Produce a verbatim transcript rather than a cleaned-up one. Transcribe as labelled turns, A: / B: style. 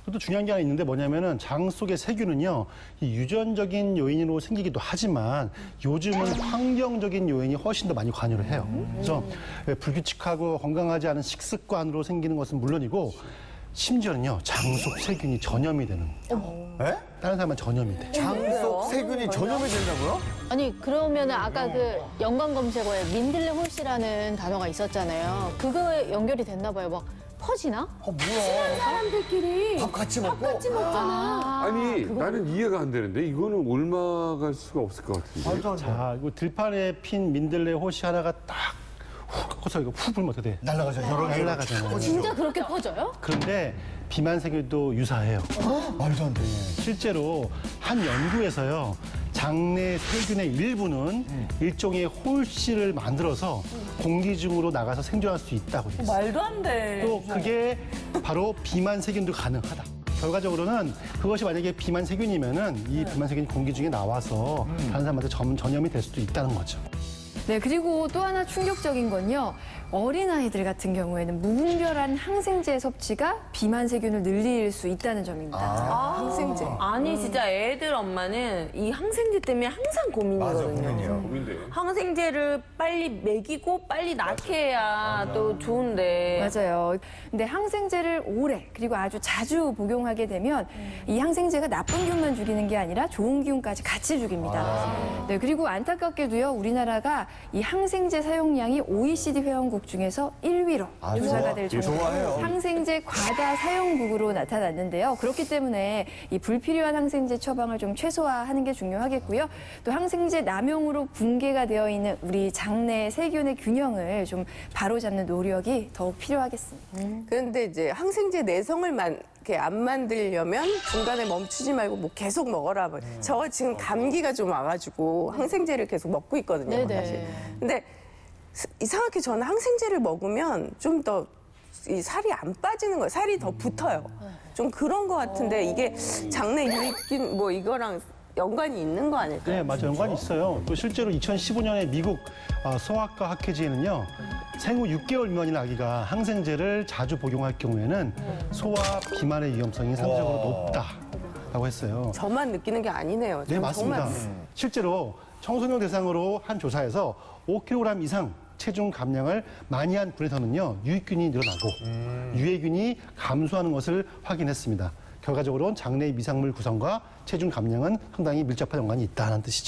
A: 또 중요한 게 하나 있는데 뭐냐면은 장 속의 세균은요, 이 유전적인 요인으로 생기기도 하지만 요즘은 환경적인 요인이 훨씬 더 많이 관여를 해요. 그래서 불규칙하고 건강하지 않은 식습관으로 생기는 것은 물론이고 심지어는요, 장 속 세균이 전염이 되는.
B: 에?
A: 다른 사람은 전염이 돼.
B: 장 속 세균이 전염이 된다고요?
C: 아니 그러면은 아까 그 연관 검색어에 민들레 홀씨라는 단어가 있었잖아요. 그거에 연결이 됐나 봐요. 막 퍼지나?
B: 어, 뭐야.
D: 사람들끼리
B: 밥 같이 먹고?
D: 같이 먹잖아.
E: 아니 나는 이해가 안 되는데 이거는 옮아갈 수가 없을 것 같은데.
B: 말도 안 돼.
A: 자, 이거 들판에 핀 민들레 호시 하나가 딱 훅 갖고서 이거 훅 불면 어떻게 돼?
B: 날라가죠. 여러 개.
A: 날라가잖아요.
C: 진짜 그렇게 퍼져요?
A: 그런데 비만세균도 유사해요.
B: 말도 안 돼.
A: 실제로 한 연구에서요, 장내 세균의 일부는 일종의 홀씨를 만들어서 공기 중으로 나가서 생존할 수 있다고 되어 있어요.
D: 말도 안 돼.
A: 또 그게 바로 비만세균도 가능하다. 결과적으로는 그것이 만약에 비만세균이면은 이 비만세균이 공기 중에 나와서 다른 사람한테 전, 전염이 될 수도 있다는 거죠.
F: 네, 그리고 또 하나 충격적인 건요. 어린아이들 같은 경우에는 무분별한 항생제 섭취가 비만 세균을 늘릴 수 있다는 점입니다.
D: 항생제.
G: 아니 진짜 애들 엄마는 이 항생제 때문에 항상 고민이거든요.
B: 맞아, 고민이야.
E: 고민돼.
G: 항생제를 빨리 먹이고 빨리 낳게 해야 또 좋은데.
F: 맞아요. 근데 항생제를 오래 그리고 아주 자주 복용하게 되면 이 항생제가 나쁜 기운만 죽이는 게 아니라 좋은 기운까지 같이 죽입니다. 네, 그리고 안타깝게도요. 우리나라가 이 항생제 사용량이 오이시디 회원국 중에서 일 위로
B: 아,
F: 조사가
B: 좋아.
F: 될
B: 좋아해요.
F: 정도로 항생제 과다 사용국으로 나타났는데요. 그렇기 때문에 이 불필요한 항생제 처방을 좀 최소화하는 게 중요하겠고요. 또 항생제 남용으로 붕괴가 되어 있는 우리 장내 세균의 균형을 좀 바로잡는 노력이 더욱 필요하겠습니다.
D: 그런데 이제 항생제 내성을 만, 이렇게 안 만들려면 중간에 멈추지 말고 뭐 계속 먹어라. 저 지금 감기가 좀 와가지고 항생제를 계속 먹고 있거든요,
C: 네네.
D: 사실. 근데 이상하게 저는 항생제를 먹으면 좀 더 이 살이 안 빠지는 거예요. 살이 더 붙어요. 좀 그런 것 같은데 이게 장내 유익균 뭐 이거랑 연관이 있는 거 아닐까요?
A: 네, 맞아요. 연관이 있어요. 또 실제로 이천십오 년에 미국 어, 소아과 학회지에는요, 생후 육 개월 미만인 아기가 항생제를 자주 복용할 경우에는 소아 비만의 위험성이 상대적으로 높다라고 했어요.
D: 저만 느끼는 게 아니네요.
A: 네,
D: 저는
A: 맞습니다.
D: 정말
A: 실제로 청소년 대상으로 한 조사에서 오 킬로그램 이상 체중 감량을 많이 한 군에서는요, 유익균이 늘어나고 유해균이 감소하는 것을 확인했습니다. 결과적으로는 장내 미생물 구성과 체중 감량은 상당히 밀접한 연관이 있다는 뜻이죠.